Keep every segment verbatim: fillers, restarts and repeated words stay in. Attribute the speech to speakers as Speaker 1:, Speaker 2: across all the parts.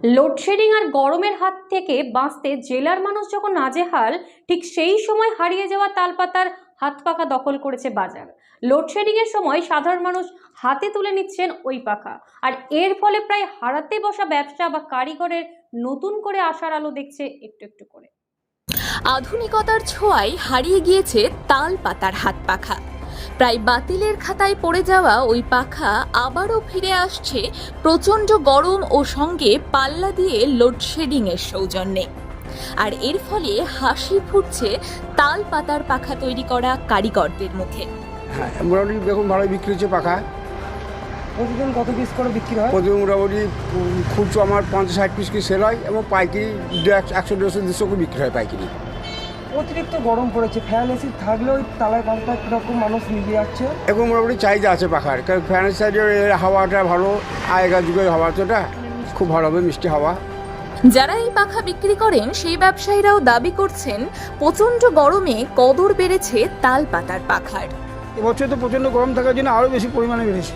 Speaker 1: Load shedding আর গরমের হাত থেকে বাঁচতে জেলার মানুষ যখন নাজেহাল, ঠিক সেই সময় হারিয়ে যাওয়া তালপাতার হাত পাখা দখল করেছে বাজার। লোডশেডিং এর সময় সাধারণ মানুষ হাতে তুলে নিচ্ছেন ওই পাখা, আর এর ফলে প্রায় হারাতে বসা ব্যবসা বা কারিগরের নতুন করে আশার আলো দেখছে একটু একটু করে।
Speaker 2: আধুনিকতার ছোঁয়ায় হারিয়ে গিয়েছে তাল পাতার হাত পাখা। প্রায় বাতিলের খাতায় পড়ে যাওয়া ওই পাখা আবারও ফিরে আসছে প্রচণ্ড গরম ও সঙ্গে পাল্লা দিয়ে লোডশেডিং এর সৌজন্যে। আর এর ফলে হাসি ফুটছে তাল পাতার পাখা তৈরি করা কারিগরদের মুখে।
Speaker 3: হ্যাঁ, মোটামুটি দেখুন ভালোই বিক্রি হচ্ছে পাখা।
Speaker 4: প্রতিদিন কত পিস করে বিক্রি হয়?
Speaker 3: প্রতিদিন মোটামুটি খুচরো আমার পঞ্চাশ ষাট পিস কি সেল হয় এবং পাইকারি একশো দেড়শো দেড়শো করে বিক্রি হয় পাইকারি।
Speaker 4: অতিরিক্ত গরম পড়েছে, ফ্যান এসি থাকলেও তালায় পাল্টা কীরকম মানুষ নিয়ে যাচ্ছে।
Speaker 3: এবং মোটামুটি চাহিদা আছে পাখার, কারণ ফ্যানের সাইডের হাওয়াটা ভালো, আগেকার যুগের হাওয়া তো এটা খুব ভালো হবে, মিষ্টি হাওয়া।
Speaker 2: যারা এই পাখা বিক্রি করেন সেই ব্যবসায়ীরাও দাবি করছেন প্রচণ্ড গরমে কদর বেড়েছে তাল পাতার পাখার।
Speaker 5: এবছর তো প্রচণ্ড গরম থাকার জন্য আরও বেশি পরিমাণে বেড়েছে।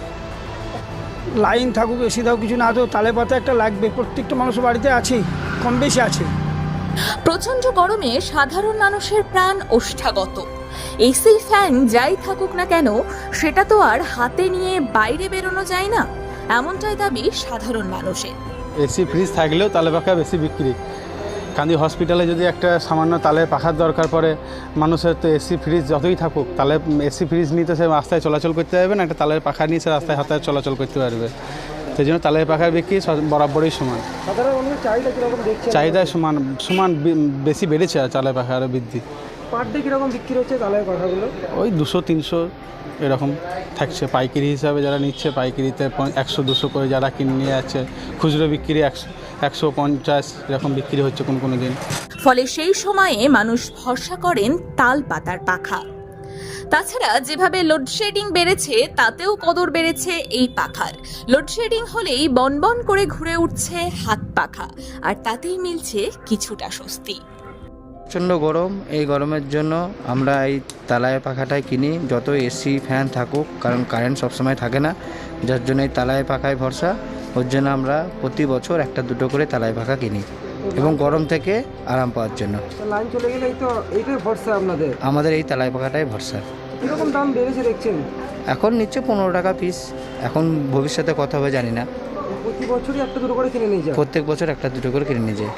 Speaker 5: লাইন থাকুক এসি থাকুক কিছু না তো তালে পাতা একটা লাগবে, প্রত্যেকটা মানুষের বাড়িতে আছে, কম বেশি আছে।
Speaker 2: প্রচণ্ড গরমে সাধারণ মানুষের প্রাণ ওষ্ঠাগত। এসি ফ্যান যাই থাকুক না কেন সেটা তো আর হাতে নিয়ে বাইরে বেরোনো যায় না, এমনটাই দাবি সাধারণ মানুষের।
Speaker 6: এসি ফ্রিজ থাকলেও তালে পাখা বেশি বিক্রি। কান্দি হসপিটালে যদি একটা সামান্য তালে পাখার দরকার পড়ে, মানুষের তো এসি ফ্রিজ যতই থাকুক, তালে এসি ফ্রিজ নিয়ে তো সে রাস্তায় চলাচল করতে পারবে না, একটা তালের পাখা নিয়ে সে রাস্তায় হাতে চলাচল করতে পারবে। সেই জন্য তালের পাখার বিক্রি বরাবরই সমান।
Speaker 4: চাহিদা কিরকম দেখছেন?
Speaker 6: চাহিদা সমান সমান বেশি বেড়েছে আর তালের পাখা আরও বৃদ্ধি।
Speaker 4: পার ডে কিরকম বিক্রি হচ্ছে তালের পাখাগুলো?
Speaker 6: ওই দুশো তিনশো এরকম থাকছে। পাইকারি হিসাবে যারা নিচ্ছে পাইকারিতে একশো দুশো করে, যারা কিনে নিয়ে যাচ্ছে খুচরো বিক্রি একশো একশো পঞ্চাশ এরকম বিক্রি হচ্ছে কোনো কোনো দিন।
Speaker 2: ফলে সেই সময়ে মানুষ ভরসা করেন তাল পাতার পাখা। তাছাড়া যেভাবে লোডশেডিং বেড়েছে তাতেও কদর বেড়েছে এই পাখার। লোডশেডিং হলেই বনবন করে ঘুরে উঠছে হাত পাখা, আর তাতেই মিলছে কিছুটা স্বস্তি।
Speaker 7: প্রচণ্ড গরম, এই গরমের জন্য আমরা এই তালায় পাখাটাই কিনি, যত এসি ফ্যান থাকুক, কারণ কারেন্ট সবসময় থাকে না, যার জন্য এই তালায় পাখায় ভরসা। ওর জন্য আমরা প্রতি বছর একটা দুটো করে তালায় পাখা কিনি এবং গরম থেকে আরাম পাওয়ার জন্য।
Speaker 4: লাইন চলে গেলেই তো এইটাই ভরসা আপনাদের?
Speaker 7: আমাদের এই তালায় পাখাটাই ভরসা।
Speaker 4: কীরকম দাম বেড়েছে দেখছেন?
Speaker 7: এখন নিচ্ছে পনেরো টাকা পিস, এখন ভবিষ্যতে কত হবে জানি না।
Speaker 4: প্রতি বছরই একটা দুটো করে কিনে নিয়ে যায়?
Speaker 7: প্রত্যেক বছর একটা দুটো করে কিনে নিয়ে যায়।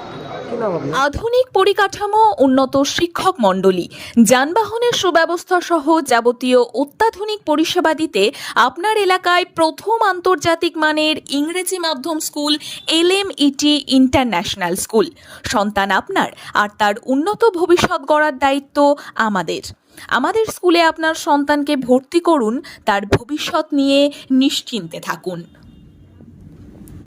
Speaker 2: আধুনিক পরিকাঠামো, উন্নত শিক্ষক মণ্ডলী, যানবাহনের সুব্যবস্থা সহ যাবতীয় অত্যাধুনিক পরিষেবা দিতে আপনার এলাকায় প্রথম আন্তর্জাতিক মানের ইংরেজি মাধ্যম school L M E T international school. সন্তান আপনার, আর তার উন্নত ভবিষ্যৎ গড়ার দায়িত্ব আমাদের। আমাদের স্কুলে আপনার সন্তানকে ভর্তি করুন, তার ভবিষ্যৎ নিয়ে নিশ্চিন্তে থাকুন।